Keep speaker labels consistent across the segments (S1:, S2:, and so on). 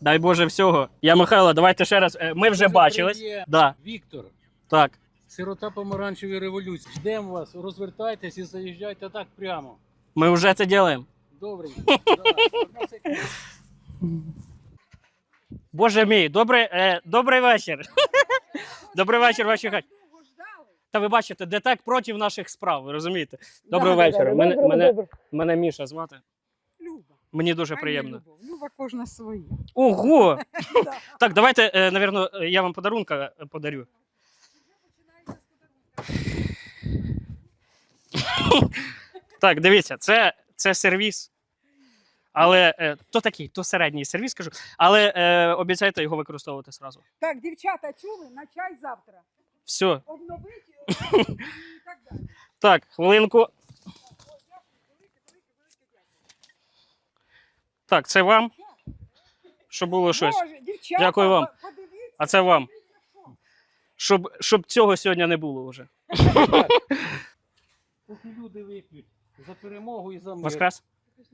S1: Дай Боже всього. Я Михайло, давайте ще раз. Ми вже бачились. Да.
S2: Віктор,
S1: Так.
S2: сирота помаранчевої революції. Ждемо вас, розвертайтесь і заїжджайте так прямо.
S1: Ми вже це робимо.
S2: Добре.
S1: Боже мій, добрий вечір. Добрий вечір, ваші хаті. Та ви бачите, де так проти наших справ, ви розумієте? Доброго вечора. Мене Міша звати.
S3: Люба.
S1: Мені дуже приємно.
S3: Люба кожна своя.
S1: Ого! Так, давайте, напевно, я вам подарунка подарю. Так, дивіться, це сервіс. Але то середній сервіс, кажу. Але обіцяйте його використовувати одразу.
S3: Так, дівчата, чули? На чай завтра.
S1: Все.
S3: Обновити і так далі.
S1: Так, хвилинку. Так, це вам. Щоб було щось.
S3: Боже, дівчата,
S1: Дякую вам.
S3: подивіться.
S1: А це вам. Щоб цього сьогодні не було вже.
S2: Поки люди вип'ють за перемогу і за мир.
S1: Воскрес.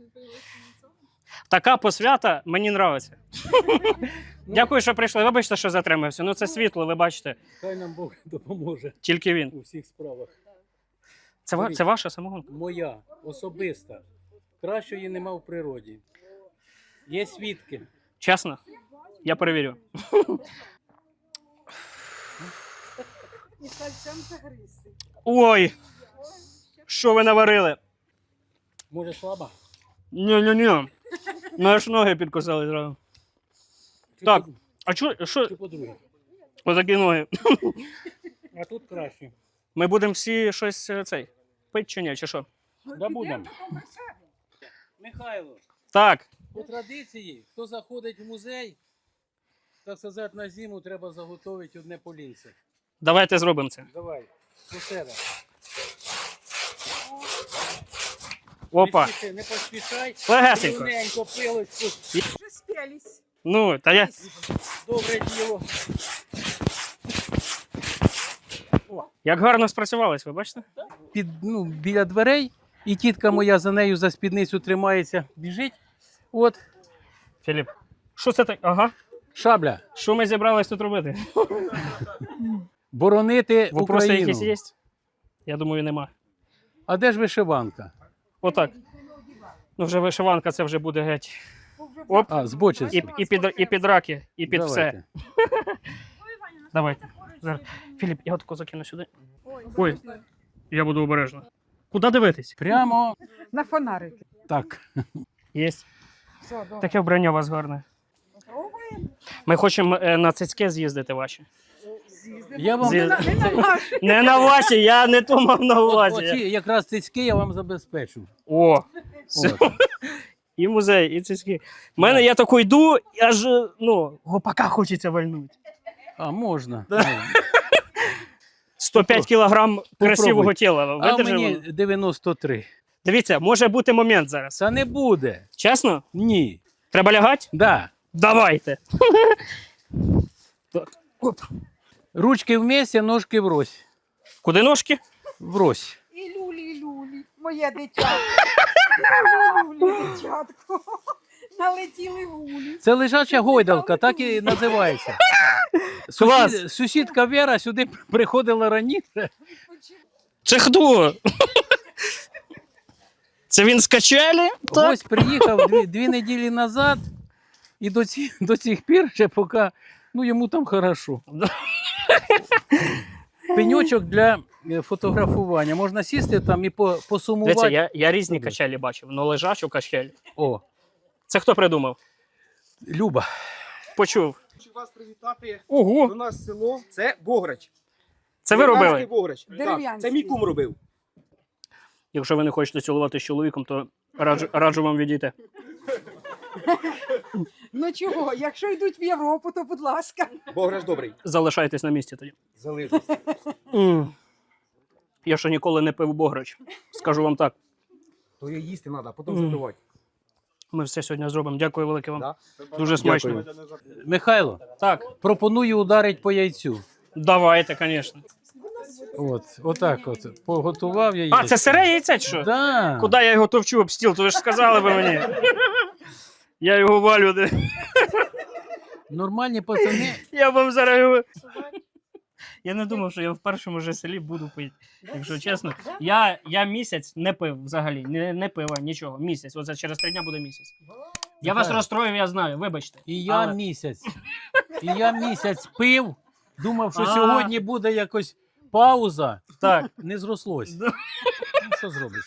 S1: Така посвята мені подобається. Дякую, що прийшли. Вибачте, що затримався. Ну це світло, ви бачите.
S2: Хай нам Бог допоможе
S1: Тільки він.
S2: у всіх справах.
S1: Це ваша самогонка?
S2: Моя, особиста. Кращої нема в природі. Є свідки.
S1: Чесно? Я перевірю.
S3: І сальцем загризти.
S1: Ой! Що ви наварили?
S2: Може слаба?
S1: Ні. Ну аж ноги підкусали зразу. Так, а що?
S2: Чи по-друге?
S1: Отакі ноги.
S2: А тут краще.
S1: Ми будемо всі щось пити чи ні, чи що?
S2: Да будемо. Михайло,
S1: Так,
S2: по традиції, хто заходить в музей, так сказати, на зиму треба заготовити одне полінце.
S1: давайте зробимо це.
S2: Давай, до себе.
S1: Опа.
S2: Не поспішай.
S1: Легесенько.
S2: Рівненько пилочку.
S3: Вже спілись.
S1: Ну, та я...
S2: Добре діло.
S1: Як гарно спрацювались, ви бачите?
S2: Біля дверей, і тітка моя за нею за спідницю тримається, біжить. От,
S1: Філіп, що це так? Ага.
S2: шабля.
S1: Що ми зібрались тут робити?
S2: Боронити
S1: Вопроси
S2: Україну.
S1: якісь є? Я думаю, нема.
S2: А де ж вишиванка?
S1: Отак. Ну, вже вишиванка, це вже буде геть. Оп,
S2: А, збочиться.
S1: і під раки, і під
S2: Давайте.
S1: все. Давайте. Зараз. Філіп, я отако закину сюди. Ой, я буду обережно. Куди дивитись?
S2: Прямо
S3: На фонарики.
S2: так.
S1: Єсть.
S3: Все, добре.
S1: Таке вбрання у вас гарне.
S3: Пробуємо.
S1: Ми хочемо на цицьки з'їздити ваші.
S2: Я вам
S3: Не на наші.
S1: Не на ваші, я не то мав на увазі.
S2: оці якраз цицьки я вам забезпечу.
S1: О,
S2: От.
S1: і музей, і цицьки. У мене я тако йду, аж, гопака хочеться вальнути.
S2: А, можна.
S1: 105 кілограм красивого
S2: Попробуй.
S1: тіла.
S2: А
S1: Видержимо?
S2: мені 93.
S1: Дивіться, може бути момент зараз.
S2: Це не буде.
S1: Чесно?
S2: Ні.
S1: Треба лягати?
S2: Да.
S1: Давайте. Так. Оп.
S2: Ручки вместе, ножки врозь.
S1: Куди ножки?
S2: Врозь.
S3: І люлі, моє дитятко. Люлі, дитятко. Налетіли гулі.
S2: Це лежача гойдалка, так і називається.
S1: Клас.
S2: Сусідка Вера сюди приходила раніше.
S1: Це хто? Це він з качелі? Так.
S2: Ось приїхав дві неділі назад і до цих пір ще поки йому там хорошо. Пеньочок для фотографування. Можна сісти там і посумувати.
S1: Дивіться, я різні качелі бачив, але лежачу качель.
S2: О,
S1: Це хто придумав?
S2: Люба.
S1: Почув.
S4: Хочу вас привітати
S1: Ого,
S4: до нас в село. Це Бограч.
S1: це ви
S4: Дерев'янський
S1: робили?
S4: Бограч. Так,
S3: Дерев'янський.
S4: це мій кум робив.
S1: Якщо ви не хочете цілувати з чоловіком, то раджу вам відійти.
S3: Ну чого, якщо йдуть в Європу, то будь ласка.
S4: Бограч добрий.
S1: Залишайтесь на місці тоді.
S4: Залишився.
S1: Я ще ніколи не пив бограч. Скажу вам так.
S4: То її їсти треба, а потім запивати.
S1: Ми все сьогодні зробимо. Дякую велике вам.
S4: Да?
S1: Дуже смачно.
S2: Михайло,
S1: Так,
S2: пропоную ударити по яйцю.
S1: давайте, звісно.
S2: Отак от. Поготував я
S1: А, це сире яйце чи що?
S2: Да.
S1: Куди я його товчу об стіл? То ви ж сказали би мені. Я його валю.
S2: Нормальні пацани.
S1: Я вам зараз. Я не думав, що я в першому же селі буду пити. Якщо чесно, я місяць не пив взагалі, не пива, нічого. Місяць. Оце через 3 дня буде місяць. Я вас розстроїв, я знаю, вибачте.
S2: І я
S1: Але-
S2: місяць пив, думав, що
S1: А.
S2: сьогодні буде якось пауза.
S1: Так.
S2: Не зрослось.
S1: Да.
S2: Ну, що зробиш?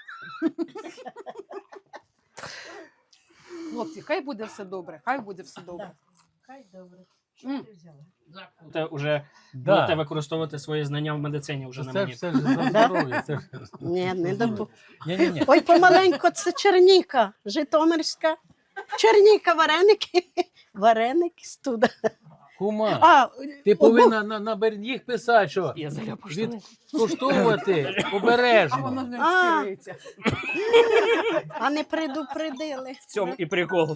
S3: Хлопці, хай буде все добре, хай буде все добре.
S5: Хай добре.
S3: М.
S1: Будете вже
S2: Да.
S1: будете використовувати свої знання в медицині вже на
S2: Це ж
S1: мені.
S2: все ж за здоров'я. Це ж...
S5: Ні, не добу.
S2: Ні.
S5: Ой, помаленько, це Черніка, Житомирська. Черніка, вареники. Вареники студа.
S2: Кума,
S5: А,
S2: ти повинна на їх писати, що
S1: Я заляпав штани.
S2: відкуштовувати
S3: А воно
S2: обережно.
S3: не
S5: А.
S3: стирається.
S5: а не предупредили.
S1: В цьому і прикол.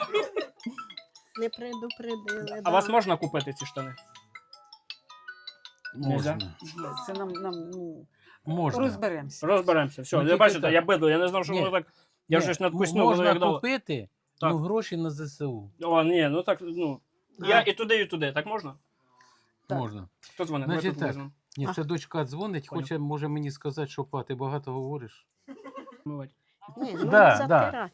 S5: Не предупредили.
S1: А
S5: да.
S1: вас можна купити ці штани?
S2: Можна.
S3: Це нам ну,
S2: Можна.
S3: розберемося.
S1: Розберемося. Все,
S2: Ну,
S1: ви
S2: тільки
S1: бачите,
S2: так.
S1: я бидло, я не знав, що
S2: Ні.
S1: воно так. Я
S2: Ні,
S1: щось надкуснув, воно
S2: можна
S1: як дало.
S2: купити,
S1: Так.
S2: ну гроші на ЗСУ.
S1: О, ні, ну так, ну. Я і туди, так можна?
S3: Так.
S2: Можна.
S1: Хто дзвонить?
S2: Значить
S1: Давай тут
S2: так.
S1: візьмемо.
S2: Ні, це дочка дзвонить,
S1: Понял.
S2: хоче, може мені сказати, що па, ти багато говориш.
S1: Мивать.
S5: Ні, ну,
S2: Да,
S5: затирати.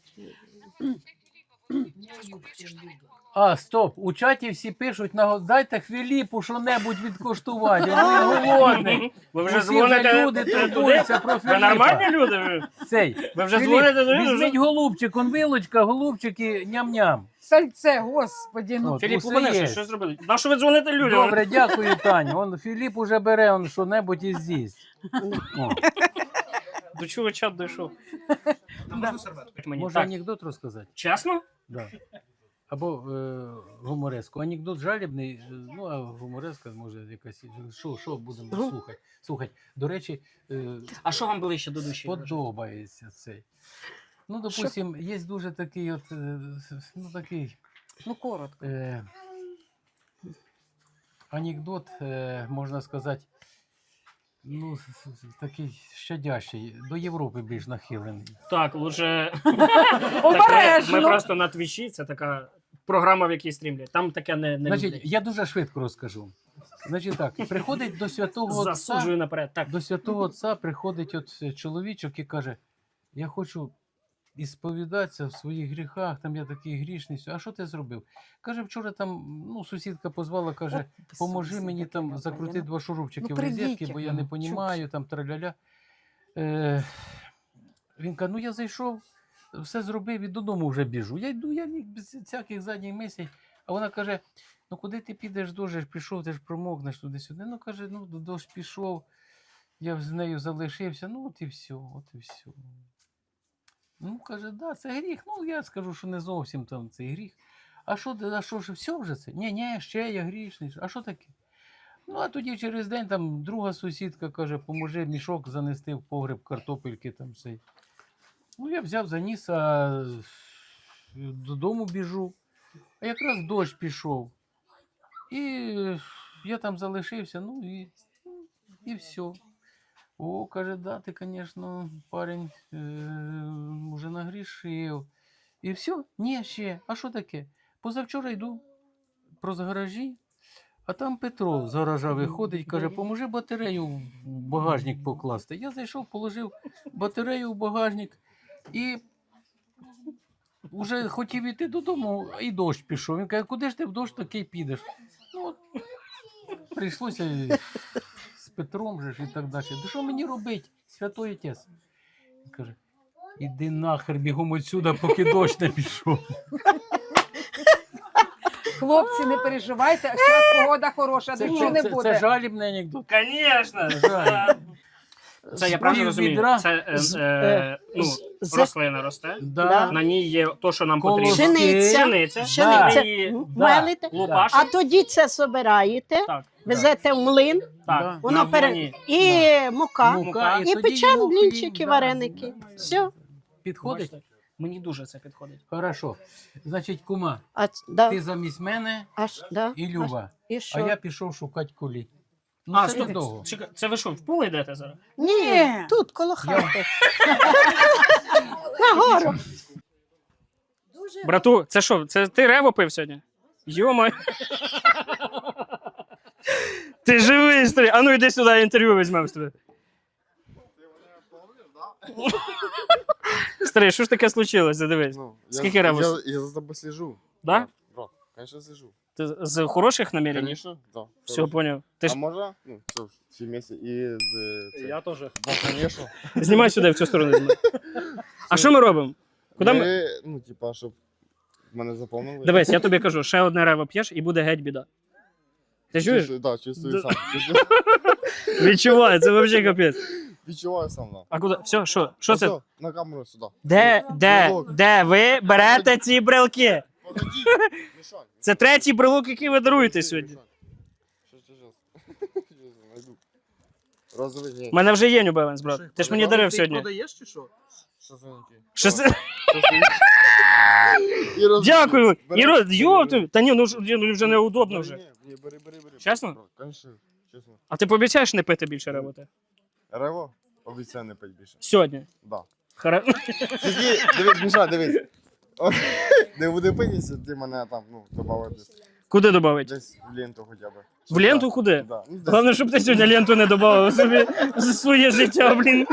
S2: А, стоп, у чаті всі пишуть, дайте Філіпу що-небудь відкоштувати, він голодний.
S1: Ви вже
S2: Усі
S1: дзвоните
S2: люди
S1: туди?
S2: турбуються про
S1: Ви
S2: Філіпа.
S1: нормальні люди?
S2: Цей,
S1: Ви вже
S2: Філіп,
S1: дзвоните туди?
S2: візьміть голубчик, он вилочка, голубчик і ням-ням.
S3: Сальце, господі, ну
S2: От,
S1: Філіп,
S2: усе
S1: вони
S2: є.
S1: що зробили? На що ви дзвоните людям?
S2: Добре, дякую, Таню. Он Філіп уже бере он що-небудь і з'їсть. О,
S1: До чого чат дійшов? Мені.
S2: може
S1: Так.
S2: анекдот розказати?
S1: Чесно?
S2: Да. Або гумореску. Анекдот жалібний, ну а гумореска може якась. Що будемо слухати? Слухати. До речі,
S1: А що вам ближче до душі?
S2: подобається цей. Ну, допустим, є дуже такий от, ну такий
S3: ну коротко.
S2: анекдот, можна сказати, ну, такий щадящий, до Європи більш нахилений.
S1: Так, лучше.
S3: Обережно.
S1: Ми просто на твічі, це така програма, в якій стрімлять. Там таке не
S2: Значить,
S1: люблять.
S2: я дуже швидко розкажу. Значить так, приходить до святого отця.
S1: Засуджую наперед. Так.
S2: До святого отця приходить от чоловічок і каже: я хочу ісповідатися в своїх гріхах, там я такий грішний. А що ти зробив? Каже, вчора там ну, сусідка позвала, каже, поможи мені там закрутити 2 шурупчики
S3: Ну,
S2: в розетки,
S3: прийдіть,
S2: бо я не
S3: ну,
S2: розумію, там траля-ля. Він каже, ну я зайшов, все зробив і додому вже біжу. Я йду, я без всяких задніх мислей. А вона каже, ну куди ти підеш, дощ пішов, ти ж промокнеш туди-сюди. Ну каже, ну дощ пішов, я з нею залишився, ну от і все, от і все. Ну, каже, да, це гріх. Ну, я скажу, що не зовсім там цей гріх. А що ж, все вже це? Ні, ще я грішний. А що таке? Ну, а тоді через день там друга сусідка каже, поможи мішок занести в погреб картопельки там цей. Ну, я взяв, заніс, а додому біжу. А якраз дощ пішов. І я там залишився, ну і все. О, каже, да, ти, звісно, парень вже нагрішив. І все? Ні, ще. А що таке? Позавчора йду проз гаражі, а там Петро з гаража виходить, каже, поможи батарею в багажник покласти. Я зайшов, положив батарею в багажник і вже хотів іти додому, і дощ пішов. Він каже, куди ж ти в дощ такий підеш? Ну, от, прийшлося з Петром же ж і так далі. Да що мені робити, святой отець? Він каже, іди нахер бігом отсюда, поки дощ не пішов.
S3: Хлопці, не переживайте, а зараз погода хороша, дощу не
S2: це
S3: буде.
S2: жалібний анекдот.
S1: Звісно.
S2: Жаль.
S1: Це я правильно розумію.
S2: Відра.
S1: Це ну,
S5: з-
S1: рослина росте.
S2: Да.
S1: На ній є то, що нам
S2: Колоски.
S1: потрібно.
S5: Пшениця.
S1: Пшениця.
S5: Пшениця.
S1: Ми її
S5: Мелите.
S1: лупашимо.
S5: А тоді це собираєте,
S1: Так,
S5: везете в млин,
S1: так.
S2: Да.
S5: воно
S1: на
S5: пере...
S1: вогні.
S5: і мука,
S2: Мука,
S5: і
S2: тоді
S5: печемо
S2: його
S5: блінчики,
S2: хліб,
S5: вареники.
S2: да.
S5: Все.
S2: Підходить?
S1: Бачите? Мені дуже це підходить.
S2: Хорошо. Значить, кума,
S5: Да.
S2: ти замість мене
S5: Да.
S2: і Люба.
S5: І
S2: А
S5: що?
S2: я пішов шукати кулі. Ну,
S1: А,
S2: це
S1: стоп,
S2: недовго.
S1: чекай, це ви що, в поле йдете зараз?
S5: Ні, тут коло хати. Нагору.
S1: Брату, це що, це ти рево пив сьогодні? Йома. Ти живий, старий. А ну йди сюди, інтерв'ю візьмемо з тебе. Старий, що ж таке случилось? Дивись.
S6: Ну,
S1: Скільки ребус?
S6: Я за тобой слежу.
S1: Да?
S6: Да, конечно, слежу.
S1: Ти з хороших намірень?
S6: Конечно, да.
S1: Все, поняв. Ти ж...
S6: А можно? Ну, все, все вместе. И
S4: Я теж.
S6: Да, конечно.
S1: Знімай сюди, в цю сторону знімай. А що ми робимо? Куди ми...
S6: Ну, типа, щоб мене заповнили.
S1: Дивись, я тобі кажу, ще одне рево п'єш і буде геть біда. Ти чуєш?
S6: Чувствую, да, чувствую
S1: Да.
S6: сам. Чувствую.
S1: Відчуваю, це взагалі капець.
S6: Відчуваю сам, да.
S1: А куди? Все, що це?
S6: Все, на камеру сюди.
S1: Де ви берете ці брелки?
S6: Погоди, Мішань.
S1: Це третій брелок, який ви даруєте сьогодні.
S6: Щас. Найду. Розовий, ні.
S1: У мене вже є New Balance, брат. Ти ж мені дарив сьогодні.
S4: Продаєш чи що?
S6: Що за які?
S1: Що це?
S6: І розовий.
S1: Дякую.
S6: Бери.
S1: Іро, йо, та ні, ну вже неудобно вже.
S6: Ні, бери.
S1: Чесно?
S6: Конечно, чесно.
S1: А ти пообіцяєш не пити більше ревоти?
S6: Рево? Обіцяю не пить більше.
S1: Сьогодні.
S6: Да.
S1: Тільки,
S6: Дивись, Міша, дивись. Не буде питися, ти мене там, ну, добавив десь.
S1: Куди додати?
S6: Десь в ленту хоча б.
S1: В ленту куди?
S6: Да. Ну, десь.
S1: Головне, щоб ти сьогодні ленту не додав собі за своє життя, блін.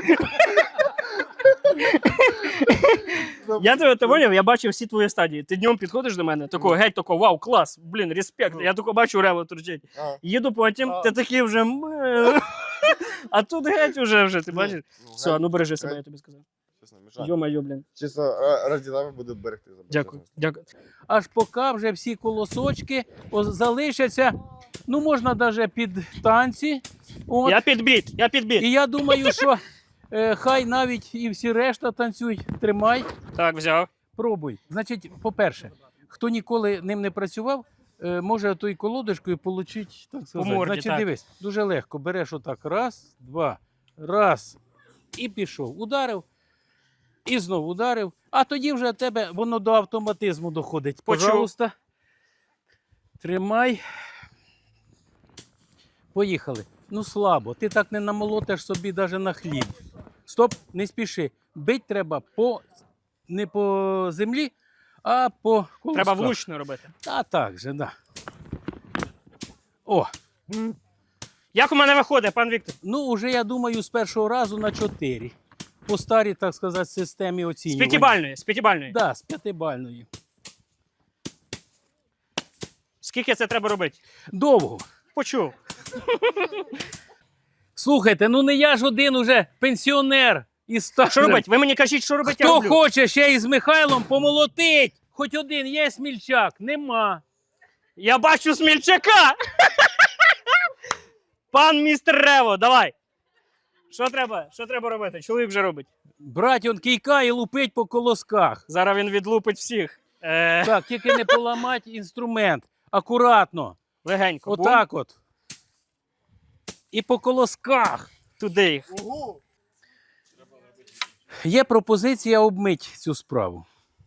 S1: Я тебе ти поняв, я бачив всі твої стадії. Ти днем підходиш до мене, такого геть, такого, вау, клас, блін, респект. Я тако бачу рево турчить.
S6: А.
S1: Їду потім, ти такий вже. А тут геть уже, ти бачиш? Все, ну бережи себе, я тобі сказав.
S6: Чесно, Міша.
S1: Йо-майо, блін.
S6: Чисто раді тебе буду берегти.
S1: Дякую, дякую.
S2: Аж поки вже всі колосочки залишаться. Ну, можна навіть під танці. От.
S1: Я підбіт.
S2: І я думаю, що хай навіть і всі решта танцюють. Тримай,
S1: Так, взяв.
S2: пробуй. Значить, по-перше, хто ніколи ним не працював, може тою колодочкою отримати, так сказати.
S1: морді,
S2: Значить,
S1: так.
S2: дивись, дуже легко. Береш отак, раз, два, раз, і пішов. Ударив, і знову ударив. А тоді вже в тебе воно до автоматизму доходить.
S1: Почув.
S2: Пожалуйста, тримай. Поїхали. Ну слабо, ти так не намолотиш собі навіть на хліб. Стоп, не спіши. Бить треба не по землі, а по колосках.
S1: Треба влучно робити.
S2: Та так же, да. О,
S1: Як у мене виходить, пан Віктор?
S2: ну уже я думаю з першого разу на 4. По старій, так сказати, системі
S1: З
S2: оцінювання.
S1: п'ятибальної.
S2: Да, з 5-бальної.
S1: Скільки це треба робити?
S2: Довго.
S1: Почув.
S2: Слухайте, ну не я ж один уже пенсіонер і старий.
S1: Що робити? Ви мені кажіть, що робити, я
S2: Хто
S1: роблю.
S2: хоче ще із Михайлом помолотить? Хоч один є смільчак? Нема.
S1: Я бачу смільчака! Пан містер Рево, давай. Що треба робити? Чоловік вже робить.
S2: Брать он кійка і лупить по колосках.
S1: Зараз він відлупить всіх.
S2: Так, тільки не поламать інструмент. Акуратно.
S1: Легенько. Бум.
S2: Отак от. І по колосках.
S1: Туди їх.
S2: Є пропозиція обмить цю справу.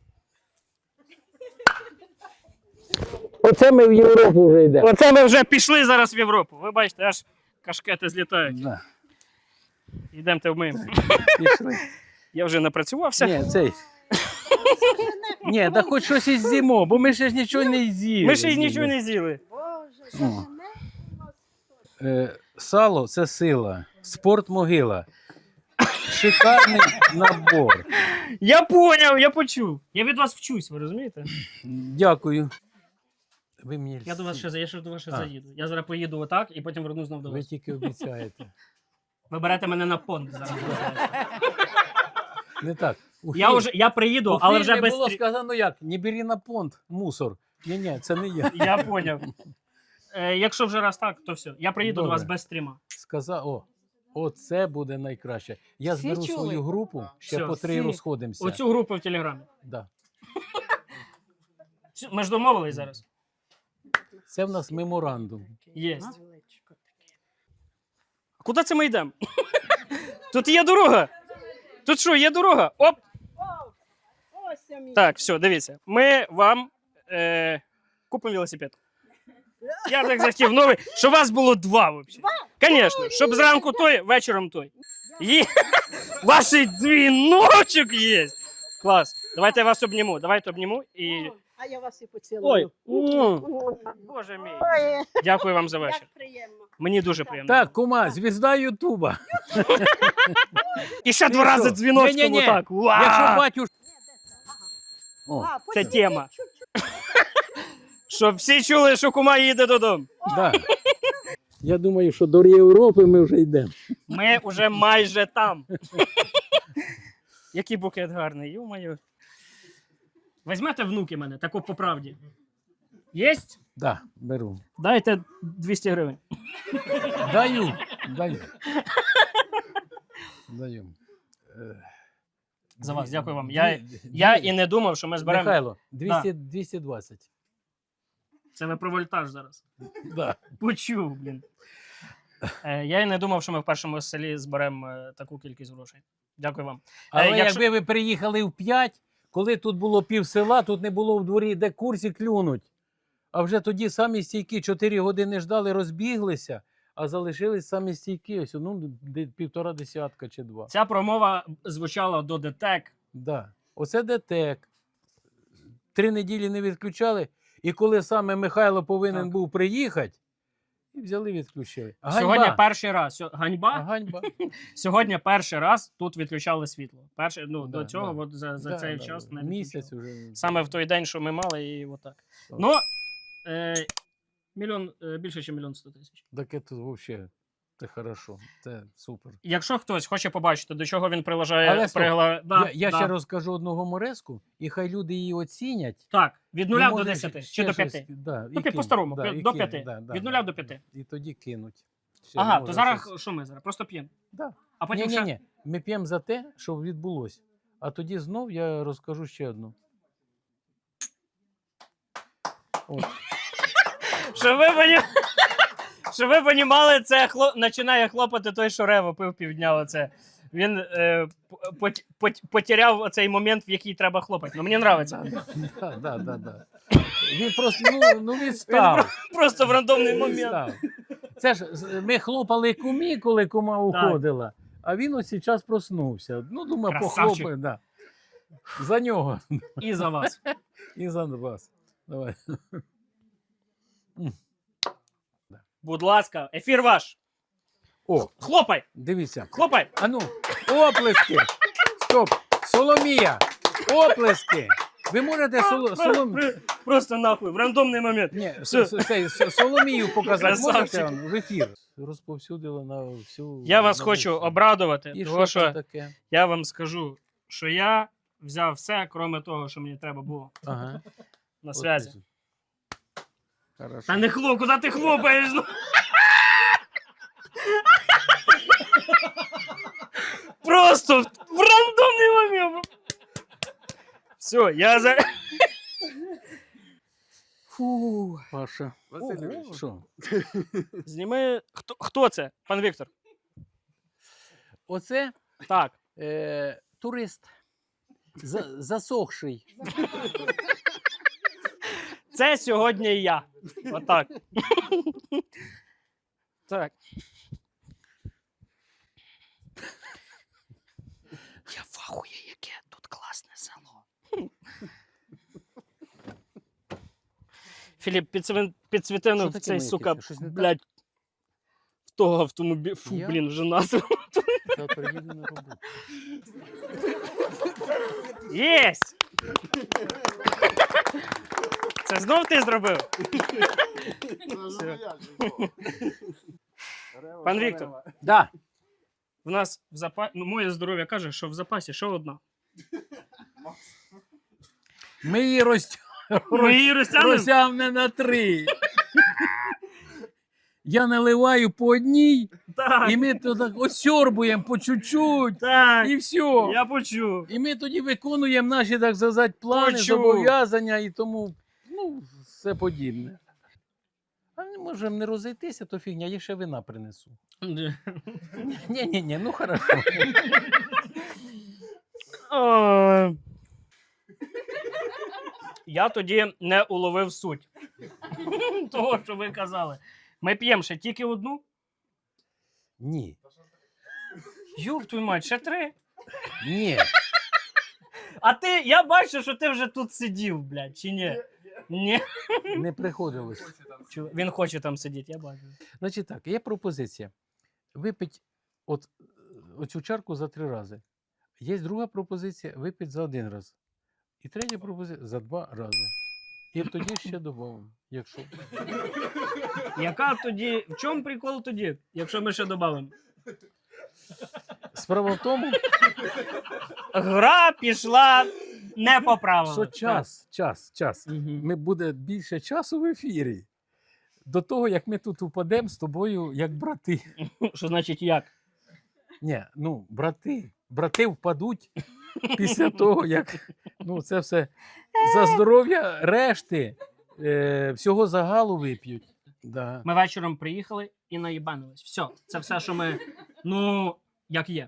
S2: Оце ми в Європу вже йдемо.
S1: Оце ми вже пішли зараз в Європу. Ви бачите, аж кашкети злітають.
S2: Да,
S1: Йдемте вмиємо.
S2: пішли.
S1: Я вже напрацювався.
S2: Ні, цей. Ні, да хоч щось із з'їмо, бо ми ще ж нічого не з'їли.
S1: Ми ще й нічого не з'їли.
S2: О. Сало – це сила, спорт – могила. Шикарний набор.
S1: Я поняв, я почув. Я від вас вчусь, ви розумієте?
S2: Дякую. Ви мені
S1: Я до вас ще до вас ще
S2: А.
S1: заїду. Я зараз поїду отак і потім вернусь знову до
S2: Ви
S1: вас.
S2: тільки обіцяєте.
S1: Ви берете мене на понт зараз.
S2: Не так.
S1: Я приїду, але вже без
S2: було
S1: стрі-
S2: сказано як? Не бери на понт, мусор. Ні, це не я.
S1: Я поняв. Якщо вже раз так, то все. Я приїду до вас
S2: Добре.
S1: без стріма.
S2: Сказав, оце буде найкраще. Я
S3: Всі
S2: зберу
S3: чули?
S2: свою групу, ще
S1: Все,
S2: по 3
S3: всі.
S2: розходимося.
S1: Оцю групу в Телеграмі.
S2: Да.
S1: Ми ж домовились зараз.
S2: Це в нас меморандум.
S1: Єсть. А куди це ми йдемо? Тут є дорога. Тут що, є дорога? Оп! Так, все, дивіться. Ми вам купимо велосипед. Я так захотів новий, щоб у вас було два взагалі. Звісно, щоб зранку той, вечором той. Є. Ваші дві ночок є. Клас. Давайте я вас обніму. Давайте обніму і.
S5: А я вас і
S1: Ой.
S5: поцілую.
S1: Боже мій.
S5: Ой,
S1: Дякую вам за вечір.
S5: як приємно.
S1: Мені дуже приємно.
S2: Так, кума, звізда Ютуба.
S1: І ще
S2: Ти
S1: 2 рази
S2: що?
S1: дзвіночком
S2: Ні-ні-ні.
S1: отак. Уа!
S2: Якщо батюш... О,
S5: А,
S1: Це
S5: потім
S1: тема.
S5: чуть-чуть.
S1: Щоб всі чули, що кума їде додому.
S2: да. Я думаю, що до Європи ми вже йдемо.
S1: Ми вже майже там. Який букет гарний, ю-маю. Візьмете внуки мене, тако по правді. Єсть?
S2: Да, беру.
S1: Дайте 200 гривень.
S2: Даю.
S1: За вас, дякую вам. Я і не думав, що ми зберемо.
S2: Михайло, 220.
S1: Це ви про вольтаж зараз.
S2: Да.
S1: Почув, блін. Я і не думав, що ми в першому селі зберемо таку кількість грошей. Дякую вам.
S2: Але
S1: якщо-
S2: якби ви приїхали в 5, коли тут було пів села, тут не було в дворі, де курсі клюнуть. А вже тоді самі стійки 4 години ждали, розбіглися, а залишились самі стійки. Ось, ну, 1,5 десятка чи 2.
S1: Ця промова звучала до ДТЕК.
S2: Да. Оце ДТЕК. 3 неділі не відключали. І коли саме Михайло повинен
S1: Так.
S2: був приїхати, і взяли відключили.
S1: Сьогодні перший раз. Ганьба?
S2: Ганьба.
S1: Сьогодні перший раз тут відключали світло. Перший, до
S2: Да,
S1: цього
S2: да.
S1: от за
S2: Да,
S1: цей
S2: да,
S1: час
S2: да.
S1: не
S2: Місяць
S1: відключали.
S2: уже.
S1: Саме в той день, що ми мали, і отак.
S2: Так.
S1: Ну, більше, ніж 1 100 000.
S2: Таке тут взагалі. Це хорошо, це супер.
S1: Якщо хтось хоче побачити, до чого він приложає
S2: Але стоп,
S1: Да,
S2: я
S1: да.
S2: ще розкажу одну гумореску, і хай люди її оцінять.
S1: Так, від 0
S2: І
S1: до
S2: може
S1: 10
S2: ще
S1: чи до
S2: щось,
S1: 5.
S2: Да,
S1: Ну, по-старому,
S2: і
S1: до
S2: кинуть,
S1: 5.
S2: да,
S1: Від
S2: да,
S1: 0 до 5.
S2: І тоді кинуть. Ще
S1: Ага,
S2: може
S1: то зараз
S2: щось.
S1: що ми зараз? Просто п'ємо.
S2: Да.
S1: А потім
S2: Ні,
S1: ще...
S2: ні, ми п'ємо за те, що відбулося. А тоді знов я розкажу ще одну. От.
S1: Щоб ви понімали, це починає хлопати той, що рево пив півдня. Оце. Він потеряв цей момент, в який треба хлопати. Ну, мені подобається.
S2: Да. Він просто відстав.
S1: Просто в рандомний момент.
S2: Відстав. Це ж ми хлопали кумі, коли кума уходила, а він ось час проснувся. Ну, думаю,
S1: Красавчик.
S2: похлопає. Да. За нього.
S1: І за вас.
S2: І за вас. Давай.
S1: Будь ласка, ефір ваш.
S2: О,
S1: Хлопай!
S2: дивіться.
S1: Хлопай!
S2: А ну, оплески. Стоп. Соломія. Оплески. Ви можете
S1: Просто нахуй, в рандомний момент.
S2: Ні,
S1: Все.
S2: Соломію показати
S1: Красавчик.
S2: можете в ефір? Розповсюдили на всю...
S1: Я вас
S2: на
S1: хочу
S2: весь-
S1: обрадувати,
S2: І
S1: тому
S2: що там
S1: що
S2: таке?
S1: я вам скажу, що я взяв все, крім того, що мені треба було
S2: Ага.
S1: на
S2: От
S1: зв'язі.
S2: і- Хорошо.
S1: Та не куди ти хлопаєш? Ну? Просто в рандомний момент. Все, я за... Фу.
S2: Паша.
S4: Васильович.
S2: Що?
S1: Зніми... Хто це, пан Віктор?
S2: Оце
S1: Так.
S2: турист. Засохший.
S1: Це сьогодні я. Отак. Так. Я в ахуї, яке тут класне село. Філіп, підсвітинув
S2: Що таке
S1: цей,
S2: моє
S1: сука,
S2: кисне? Щось не так?
S1: блядь, в того автомобіля. Фу,
S2: Я?
S1: блін, вже назва.
S2: Завтра їду на роботу.
S1: Єсть! Це знов ти зробив? Пан Віктор,
S2: Да.
S1: в нас в запасі, ну, моє здоров'я каже, що в запасі ще одна.
S2: Ми її
S1: Ми її розтягнемо?
S2: розтягнемо на 3. Я наливаю по одній,
S1: Так,
S2: і ми то так осьорбуємо по чуть-чуть,
S1: так,
S2: і все.
S1: я почув.
S2: І ми тоді виконуємо наші, так сказати, плани,
S1: Почув.
S2: зобов'язання і тому, ну, все подібне. А ми можемо не розійтися, то фігня, я ще вина принесу. Ні, ну хорошо.
S1: Я тоді не уловив суть того, що ви казали. Ми п'ємо ще тільки одну?
S2: Ні.
S1: Юб твою мать, ще 3.
S2: Ні.
S1: А ти, я бачу, що ти вже тут сидів, блядь, чи ні? Ні.
S2: Не приходилось.
S1: Він хоче там сидіти, я бачу.
S2: Значить так, є пропозиція. Випить оцю чарку за 3 рази. Є друга пропозиція випити за 1 раз. І третя пропозиція за 2 рази. І тоді ще додамо, якщо.
S1: Яка тоді, в чому прикол тоді, якщо ми ще додамо?
S2: Справа в тому,
S1: Гра пішла не по правилам.
S2: що час.
S1: Мгм.
S2: Ми буде більше часу в ефірі. До того, як ми тут упадемо з тобою, як брати.
S1: Що значить як?
S2: Ні, ну, брати. Брати впадуть після того, як це все за здоров'я решти всього загалу вип'ють. Да.
S1: Ми вечором приїхали і наїбанились. Все, це все, що ми, як є.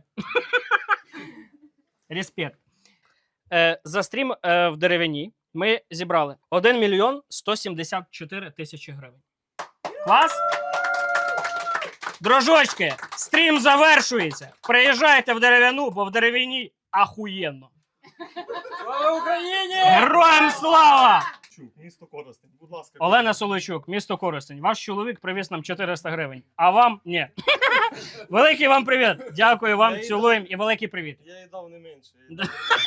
S1: Респект. За стрім в деревині ми зібрали 1 мільйон 174 тисячі гривень. Клас? Дружочки, стрім завершується. Приїжджайте в деревину, бо в деревині ахуєнно.
S4: Слава Україні!
S1: Героям слава!
S6: Місто Коростень, будь ласка.
S1: Олена Солойчук, місто Коростень. Ваш чоловік привіз нам 400 гривень, а вам ні. Великий вам привіт. Дякую вам, цілуємо і великий привіт.
S6: Я їй дав не менше.
S1: Да.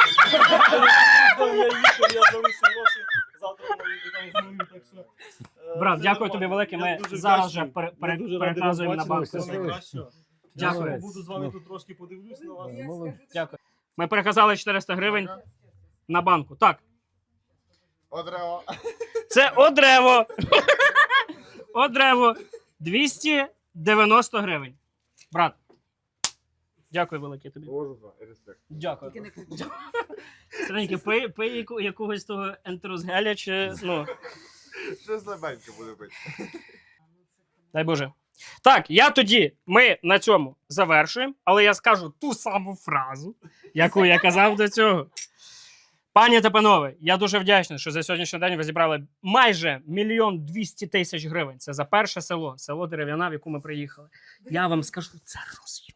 S6: Я їхав, я залишив гроші, завтра вона їде там знову, так що...
S1: Брат,
S6: це
S1: дякую тобі
S6: нормально.
S1: велике.
S6: Я
S1: Ми
S6: дуже
S1: зараз же
S6: вдячний. Я дуже радий вас
S1: переказуємо на
S6: бачити.
S1: банк.
S6: Все найкраще.
S1: Дякую.
S2: Молодець.
S6: Буду з вами тут трошки подивлюсь на вас.
S1: Дякую. Ми переказали 400 гривень на банку. Так,
S6: Одрево.
S1: це одрево. Одрево. 290 гривень. Брат, дякую велике тобі.
S6: Респект.
S1: Дякую.
S3: Тільки не кричи.
S1: Стреньки, пий якогось того ентерозгеля чи,
S6: Щось слабеньке буде бити.
S1: дай Боже. Так, ми на цьому завершуємо, але я скажу ту саму фразу, яку я казав до цього. Пані та панове, я дуже вдячний, що за сьогоднішній день ви зібрали майже 1 мільйон 200 тисяч гривень. Це за перше село Дерев'яна, в яку ми приїхали. Я вам скажу, це розйом.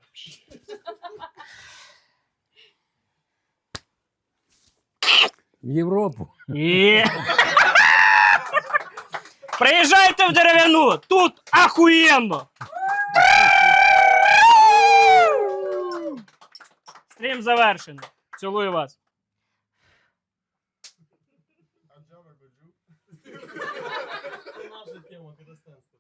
S2: В Європу.
S1: І... Приїжджайте в Дерев'яну, тут ахуєнно! Стрім завершений. Цілую вас.
S6: Це наша тема, казахстанська.